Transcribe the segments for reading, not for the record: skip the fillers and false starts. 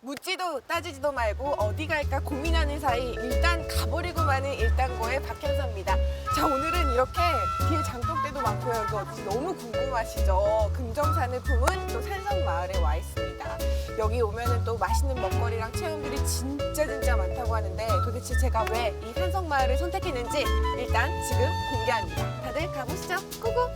묻지도 따지지도 말고 어디 갈까 고민하는 사이 일단 가버리고 마는 일당고의 박현서입니다. 자, 오늘은 이렇게 뒤에 장독대도 많고요. 여기 어디지 너무 궁금하시죠? 금정산을 품은 또 산성마을에 와 있습니다. 여기 오면은 또 맛있는 먹거리랑 체험들이 진짜 많다고 하는데 도대체 제가 왜 이 산성마을을 선택했는지 일단 지금 공개합니다. 다들 가보시죠. 고고!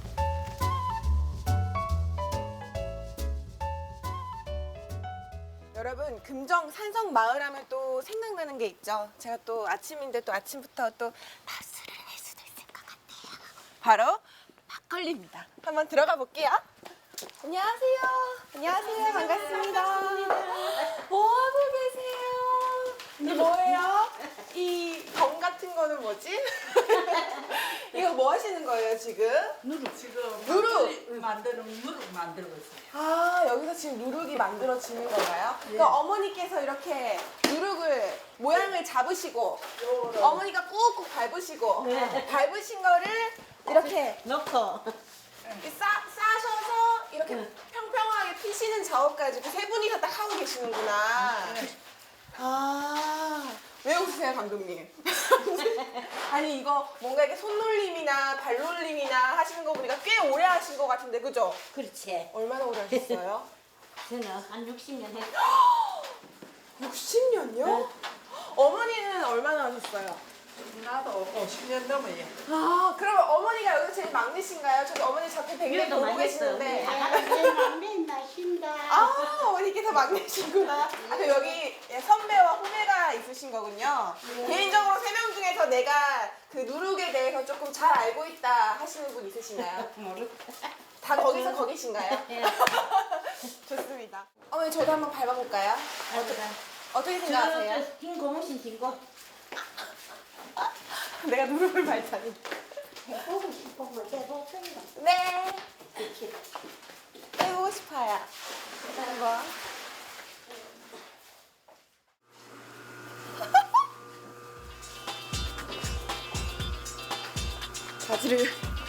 여러분, 금정 산성마을 하면 또 생각나는 게 있죠. 제가 또 아침인데 또 아침부터 또 밥술을 할 수도 있을 것 같아요. 바로 막걸리입니다. 한번 들어가 볼게요. 안녕하세요. 안녕하세요. 반갑습니다. 뭐 하고 계세요? 이게 뭐예요? 이 검 같은 거는 뭐지? 이거 뭐 하시는 거예요, 지금? 누룩 지금 누룩! 만드는 누룩 만들고 있어요. 아, 여기서 지금 누룩이 만들어지는 건가요? 그러니까 어머니께서 이렇게 누룩을 모양을 잡으시고 어머니가 꾹꾹 밟으시고 밟으신 거를 이렇게 넣고 싸셔서 이렇게 평평하게 피시는 작업까지 그 세 분이서 딱 하고 계시는구나. 아, 왜 웃으세요, 감독님? 아니, 이거 뭔가 이렇게 손놀림이나 발놀림이나 하시는 거 보니까 꽤 오래 하신 것 같은데, 그죠? 그렇지. 얼마나 오래 하셨어요? 저는 한 60년 했어. 60년요? 어머니는 얼마나 하셨어요? 나도 50년 넘어요. 아, 그러면 어머니가 여기 제일 막내신가요? 저기 어머니 자꾸 뱅뱅 이것도 보고 많이 계시는데. 맨날 쉰다. 아, 어머니께서 막내시구나. 아, 그럼 여기 선배와 후배가 있으신 거군요. 개인적으로 세 명 중에서 내가 그 누룩에 대해서 조금 잘 알고 있다 하시는 분 있으신가요? 모르겠다. 다 거기서 거기신가요? 좋습니다. 어머니, 저도 한번 밟아볼까요? 어떻게 생각하세요? 저 딩고 무신 딩고. 내가 누룩을 밟다니. 해보고 싶으면 해보세요. 네. 해보고 싶어요. 한번. 바지를.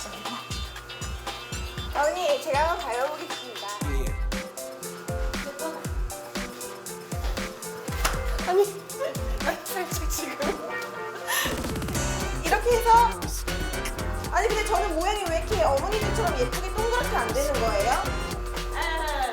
어머니, 제가 한번 밟아보겠습니다. 아니, 살짝 지금. 이렇게 해서. 아니, 근데 저는 모양이 왜 이렇게 어머니들처럼 예쁘게 동그랗게 안 되는 거예요? 아,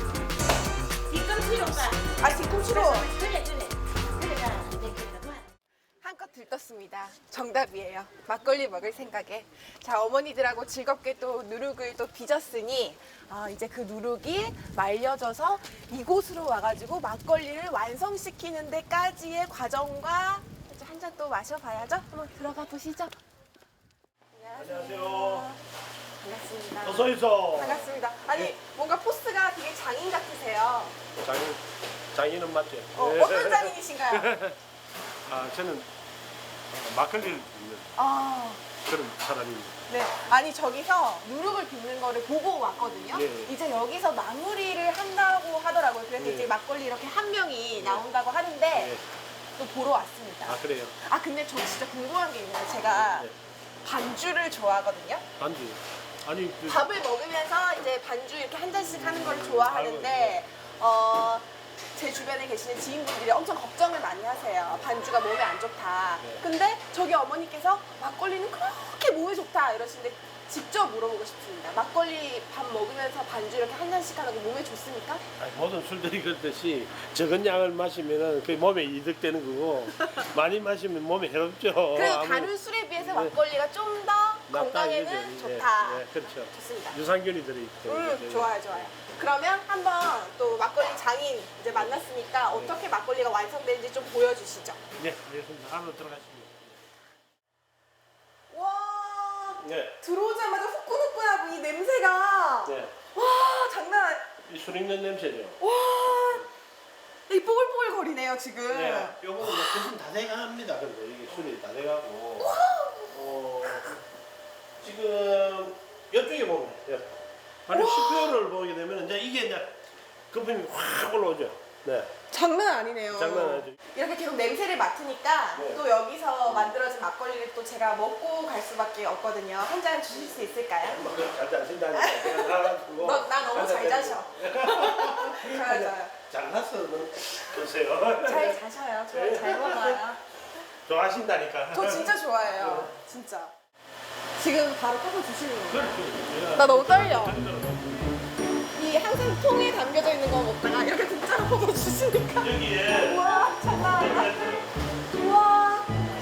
뒤꿈치로가. 아, 뒤꿈치로. 그래가 안 되겠다. 한껏 들떴습니다. 정답이에요. 막걸리 먹을 생각에. 자, 어머니들하고 즐겁게 또 누룩을 또 빚었으니 이제 그 누룩이 말려져서 이곳으로 와가지고 막걸리를 완성시키는 데까지의 과정과 한 잔 또 마셔봐야죠. 한번 들어가 보시죠. 안녕하세요. 반갑습니다. 어서 오이소. 반갑습니다. 아니, 뭔가 포스가 되게 장인 같으세요. 장인은 맞죠? 어떤 장인이신가요? 아, 저는 막걸리를 빚는 아, 그런 사람입니다. 네. 아니, 저기서 누룩을 빚는 거를 보고 왔거든요. 예. 이제 여기서 마무리를 한다고 하더라고요. 그래서 예. 이제 막걸리 이렇게 한 병이 나온다고 하는데 예. 또 보러 왔습니다. 아, 그래요? 아, 근데 저 진짜 궁금한 게 있는데 제가 예. 반주를 좋아하거든요. 반주. 아니, 그, 밥을 먹으면서 이제 반주 이렇게 한 잔씩 하는 걸 좋아하는데 제 주변에 계시는 지인분들이 엄청 걱정을 많이 하세요. 반주가 몸에 안 좋다. 네. 근데 저기 어머니께서 막걸리는 그렇게 몸에 좋다 이러시는데 직접 물어보고 싶습니다. 막걸리 밥 먹으면서 반주 이렇게 한 잔씩 하는 거 몸에 좋습니까? 아니, 모든 술들이 그렇듯이 적은 양을 마시면은 그 몸에 이득되는 거고 많이 마시면 몸에 해롭죠. 그래도 아무- 다른 술에 비해서 네. 막걸리가 좀 더 낫다 건강에는 이거죠. 좋다. 예, 예, 그렇죠. 좋습니다. 유산균이 들어있기 때문에. 좋아요, 좋아요. 그러면 한번 또 막걸리 장인 이제 만났으니까 어떻게 막걸리가 완성되는지 좀 보여주시죠. 네, 알겠습니다. 안으로 들어가십니다. 와, 네. 들어오자마자 후끈후끈하고 이 냄새가 네. 와, 장난 아니. 이 술 익는 냄새죠. 와, 이 뽀글뽀글 거리네요 지금. 네, 요거는 대신 다 돼갑니다. 근데 이게 술이 다 돼가고. 지금 이쪽에 보면 바로 10개월을 보게 되면 이제 이게 이제 거품이 확 올라오죠. 네. 장난 아니네요. 장난 아니죠. 이렇게 계속 냄새를 맡으니까 네. 또 여기서 만들어진 막걸리를 또 제가 먹고 갈 수밖에 없거든요. 한 잔 주실 수 있을까요? 잘 자신다니까 내가 나가지고. 나 너무 잘 자셔. 좋아요. 잘났어는 보세요. 잘 자셔요. 저 잘 먹어요. 좋아하신다니까. 저 진짜 좋아해요. 진짜. 지금 바로 컵을 주시는 거예요? 그렇죠. 나 너무 떨려. 이 항상 통에 담겨져 있는 거 먹다가 이렇게 진짜로 컵을 주시니까. 여기에 우와, 장난 아니다. 우와.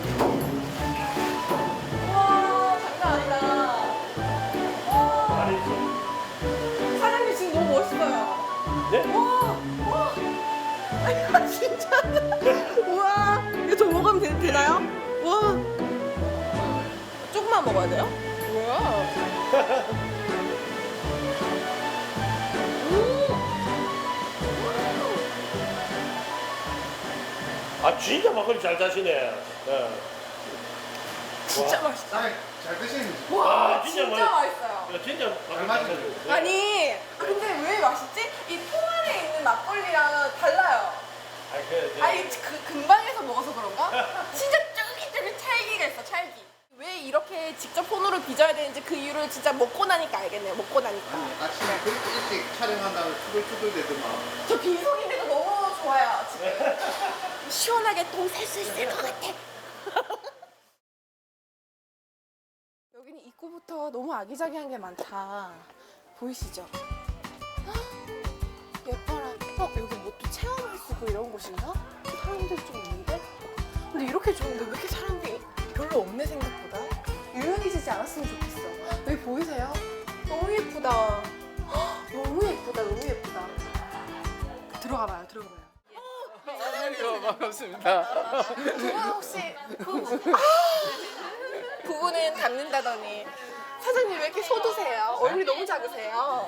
우와, 장난 아니다. 우와. 아니 좀. 사장님 지금 너무 멋있어요. 네? 우와, 우와. 아니, 진짜. 우와. 이거 저 먹으면 되나요? 우와. 조금만 먹어야 돼요? 우와. 아 진짜 막걸리 잘 자시네. 네. 진짜 맛있다. 잘 드시는 와, 아, 진짜 진짜 맛있어요. 야, 진짜 잘 맞아요. 아니, 근데 왜 맛있지? 이 통 안에 있는 막걸리랑은 달라요. 아니, 그 근방에서 먹어서 그런가? 진짜 쫄깃쫄깃 찰기가 있어, 찰기. 왜 이렇게 직접 손으로 빚어야 되는지 그 이유를 진짜 먹고 나니까 알겠네요, 먹고 나니까. 아침에 그렇게 일찍 촬영한다고 투덜투덜 대더만. 저 빈속인데도 너무 좋아요, 지금. 시원하게 똥 살 수 있을 것 같아. 여기는 입구부터 너무 아기자기한 게 많다. 보이시죠? 헉, 예뻐라. 여기 뭐 또 체험할 수 있고 이런 곳인가? 사람들 좀 있는데? 근데 이렇게 좋은데 왜 이렇게 사람들이 별로 없네 생각보다? 유명해지지 않았으면 좋겠어. 여기 보이세요? 너무 예쁘다. 헉, 너무 예쁘다. 너무 예쁘다. 들어가봐요. 들어가봐요. 안녕하세요. 반갑습니다. 두분 혹시 부부는 닮는다더니 사장님 왜 이렇게 소두세요? 얼굴이 너무 작으세요.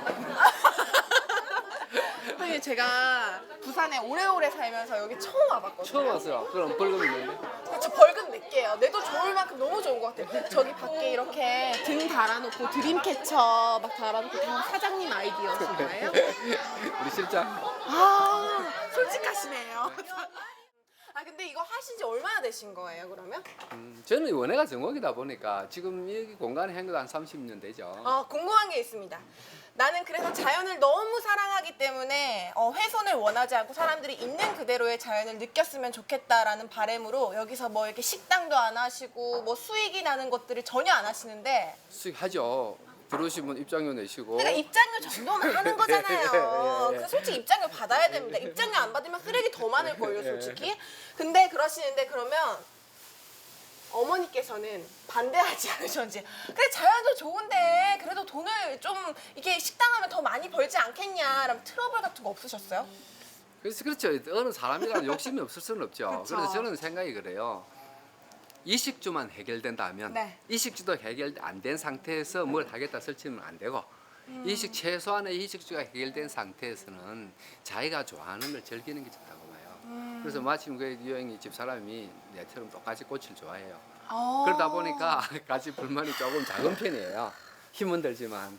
사장님 제가 부산에 오래오래 살면서 여기 처음 와봤거든요. 처음 왔어요. 그럼 벌금 있는데? 저 벌금 낼게요. 내도 좋을 만큼 너무 좋은 것 같아요. 저기 밖에 이렇게 등 달아놓고 드림캐쳐 막 달아놓고 다 사장님 아이디어신가요? 우리 실장. 아 솔직하시네요. 아 근데 이거 하신 지 얼마나 되신 거예요 그러면? 저는 원예가 전공이다 보니까 지금 여기 공간에 한 것도 한 30년 되죠. 궁금한 게 있습니다. 나는 그래서 자연을 너무 사랑하기 때문에 훼손을 원하지 않고 사람들이 있는 그대로의 자연을 느꼈으면 좋겠다라는 바람으로 여기서 뭐 이렇게 식당도 안 하시고 뭐 수익이 나는 것들을 전혀 안 하시는데 수익하죠. 들어오시면 입장료 내시고. 그러니까 입장료 정도는 하는 거잖아요. 예, 예. 그 솔직히 입장료 받아야 됩니다. 입장료 안 받으면 쓰레기 더 많을걸요 솔직히. 근데 그러시는데 그러면 어머니께서는 반대하지 않으셨는지 그래 자연도 좋은데 그래도 돈을 좀 이렇게 식당하면 더 많이 벌지 않겠냐 라는 트러블 같은 거 없으셨어요? 그래서 그렇죠. 어느 사람이라는 욕심이 없을 수는 없죠. 그쵸. 그래서 저는 생각이 그래요. 이식주만 해결된다면 네. 이식주도 해결 안 된 상태에서 뭘 하겠다 설치면 안 되고 이식 최소한의 이식주가 해결된 상태에서는 자기가 좋아하는 걸 즐기는 게 좋다고 봐요. 그래서 마침 그 유영이 집 사람이 내처럼 똑같이 꽃을 좋아해요. 그러다 보니까 같이 불만이 조금 작은 편이에요. 힘은 들지만.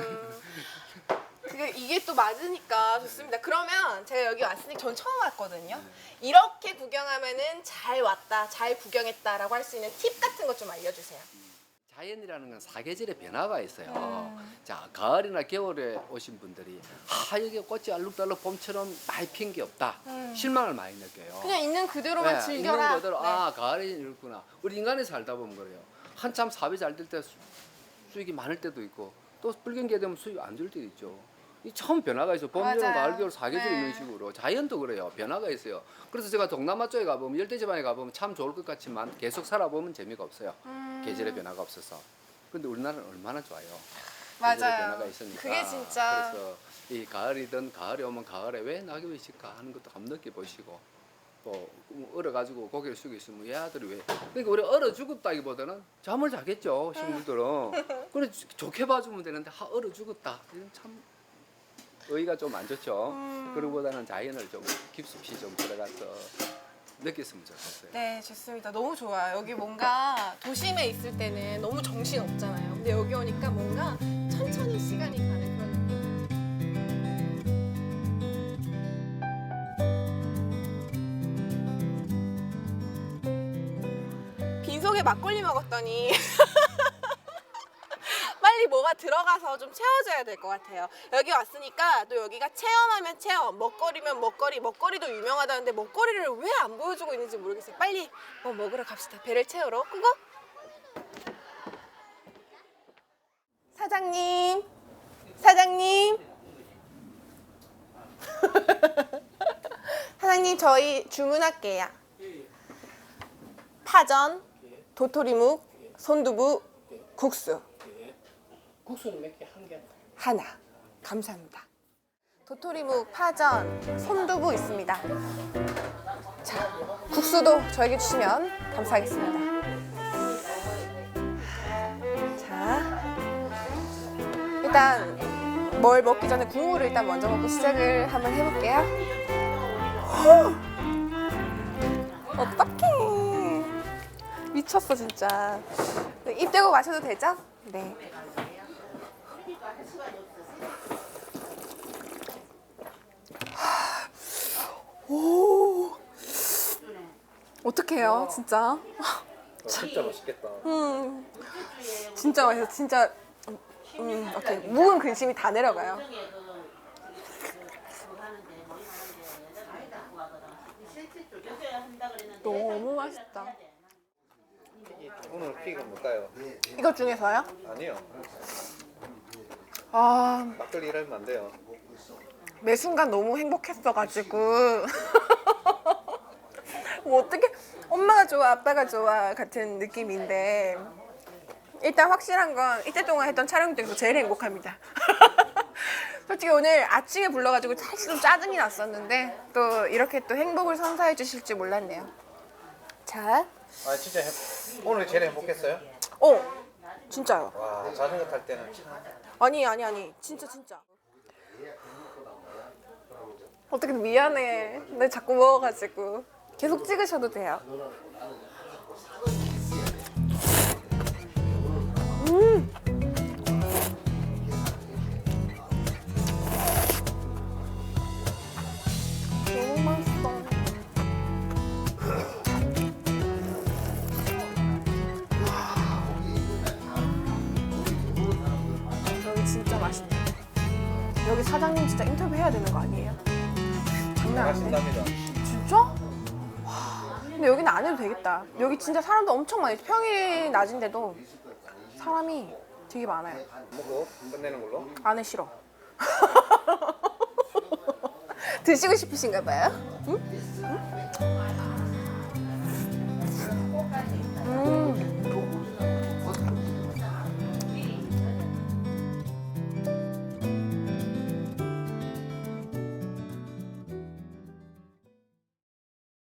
이게 또 맞으니까 좋습니다. 그러면 제가 여기 왔으니 전 처음 왔거든요. 이렇게 구경하면은 잘 왔다, 잘 구경했다라고 할 수 있는 팁 같은 것 좀 알려주세요. 자연이라는 건 사계절의 변화가 있어요. 자, 가을이나 겨울에 오신 분들이 여기 꽃이 알록달록 봄처럼 많이 핀 게 없다. 실망을 많이 느껴요. 그냥 있는 그대로만 네, 즐겨라. 있는 그대로 네. 가을이 이렇구나. 우리 인간이 살다 보면 그래요. 한참 사업이 잘 될 때 수익이 많을 때도 있고 또 불경기에 되면 수익이 안 줄 때도 있죠. 이 처음 변화가 있어. 봄, 여름, 맞아요. 가을, 겨울 사계절 네. 이런 식으로 자연도 그래요. 변화가 있어요. 그래서 제가 동남아 쪽에 가보면 열대지방에 가보면 참 좋을 것 같지만 계속 살아보면 재미가 없어요. 계절의 변화가 없어서. 근데 우리나라는 얼마나 좋아요. 계절의 맞아요. 변화가 있으니까. 그게 진짜 그래서 이 가을이든 가을이 오면 가을에 왜 낙엽이 질까 하는 것도 한번 느껴보시고 또 얼어가지고 고개를 숙여 있으면 얘 아들이 왜 그러니까 우리 얼어 죽었다기보다는 잠을 자겠죠 식물들은. 그래 좋게 봐주면 되는데 얼어 죽었다 이건 참 의의가 좀 안 좋죠. 그러보다는 자연을 좀 깊숙이 좀 들어가서 느꼈으면 좋겠어요. 네, 좋습니다. 너무 좋아요. 여기 뭔가 도심에 있을 때는 너무 정신 없잖아요. 근데 여기 오니까 뭔가 천천히 시간이 가는 그런 느낌. 빈속에 막걸리 먹었더니 빨리 뭐가 들어가서 좀 채워줘야 될 것 같아요. 여기 왔으니까 또 여기가 체험하면 체험, 먹거리면 먹거리, 먹거리도 유명하다는데 먹거리를 왜 안 보여주고 있는지 모르겠어요. 빨리 뭐 먹으러 갑시다. 배를 채우러. 그거? 사장님, 사장님. 사장님 저희 주문할게요. 파전, 도토리묵, 손두부, 국수. 국수는 몇 개? 한 개? 하나. 감사합니다. 도토리묵, 파전, 손두부 있습니다. 자, 국수도 저에게 주시면 감사하겠습니다. 자, 일단 뭘 먹기 전에 국물을 일단 먼저 먹고 시작을 한번 해볼게요. 어떡해. 미쳤어 진짜. 입 대고 마셔도 되죠? 네. 오. 어떡해요, 진짜. 진짜 맛있겠다. 진짜 맛있어, 진짜. 오케이. 묵은 근심이 다 내려가요. 너무 맛있다. 오늘 픽은 뭘까요? 이것 중에서요? 아니요. 아, 막걸리 이러면 안 돼요. 매 순간 너무 행복했어가지고. 뭐 어떻게 엄마가 좋아, 아빠가 좋아 같은 느낌인데 일단 확실한 건 이때 동안 했던 촬영 중에서 제일 행복합니다. 솔직히 오늘 아침에 불러가지고 사실 좀 짜증이 났었는데 또 이렇게 또 행복을 선사해 주실 줄 몰랐네요. 자, 아 진짜 오늘 제일 행복했어요? 진짜요. 와 자전거 탈 때는 참. 아니 진짜 어떻게 미안해. 내 자꾸 먹어가지고 계속 찍으셔도 돼요. 너무 맛있어. 여기 진짜 맛있네. 여기 사장님 진짜 인터뷰 해야 되는 거 아니에요? 장난 아닌데? 맛있답니다. 진짜? 와, 근데 여기는 안 해도 되겠다. 여기 진짜 사람도 엄청 많이 평일이 낮인데도 사람이 되게 많아요. 먹고 끝내는 걸로. 안에 싫어. 드시고 싶으신가 봐요? 응? 응?